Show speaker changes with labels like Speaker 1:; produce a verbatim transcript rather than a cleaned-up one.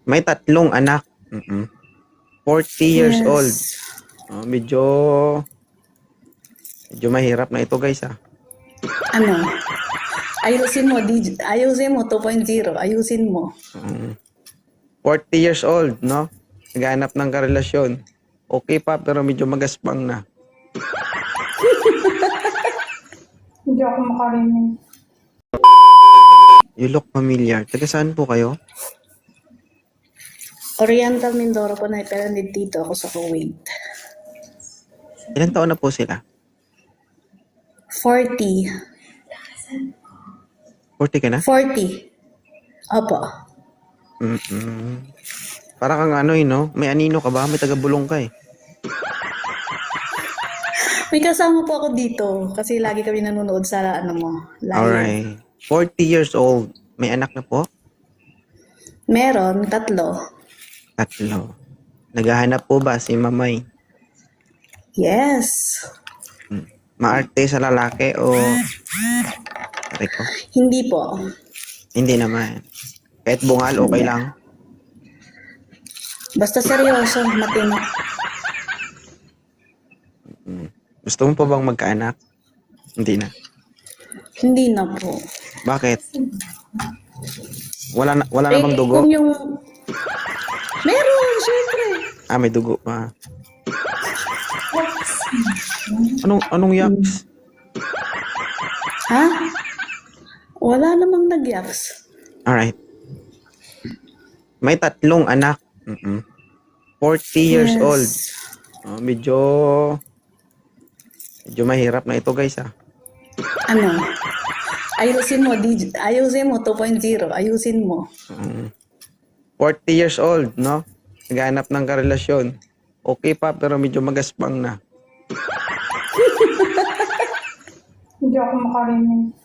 Speaker 1: May tatlong anak. Mm-mm. forty years
Speaker 2: Yes.
Speaker 1: old. Oh, medyo medyo mahirap na ito, guys, ah.
Speaker 2: Ano? Ayusin mo, D J. Ayusin mo, two point oh. Ayusin mo.
Speaker 1: Mm. forty years old, no? Naghahanap ng karelasyon. Okay pa, pero medyo magaspang na.
Speaker 3: Hindi ako makarinig.
Speaker 1: You look familiar. Taga saan po kayo?
Speaker 2: Oriental Mindoro po na, pero dito ako sa Kuwait.
Speaker 1: Ilan taon na po sila?
Speaker 2: forty.
Speaker 1: forty ka na?
Speaker 2: forty. Opo.
Speaker 1: Mm-mm. Para kang ano, eh, no? May anino ka ba? May taga-bulong ka, eh.
Speaker 2: May kasama po ako dito kasi lagi kami nanonood sa ano mo. Live.
Speaker 1: Alright. forty years old. May anak na po?
Speaker 2: Meron, tatlo.
Speaker 1: Tatlo. Naghahanap po ba si Mamay?
Speaker 2: Yes.
Speaker 1: Maarte sa lalaki o... Aray ko.
Speaker 2: Hindi po.
Speaker 1: Hindi naman. Kahit bungal, okay lang.
Speaker 2: Basta seryoso, matino.
Speaker 1: Gusto mo pa bang magkaanak? Hindi na.
Speaker 2: Hindi na po.
Speaker 1: Bakit? Wala na, wala
Speaker 2: Eh,
Speaker 1: namang dugo?
Speaker 2: kung yung... Meron, syempre.
Speaker 1: Ah, may dugo pa. Anong, anong yaks?
Speaker 2: Ha? Wala namang nagyaks.
Speaker 1: Alright. May tatlong anak. Mm-mm. forty years
Speaker 2: Yes.
Speaker 1: old. Oh, medyo... Medyo mahirap na ito, guys, ah.
Speaker 2: Ano? Ayusin mo, D J. Ayusin mo, two point oh. Ayusin mo.
Speaker 1: Mm. forty years old, no? Naghahanap ng karelasyon. Okay pa, pero medyo magaspang na.
Speaker 3: Hindi ako makarinig.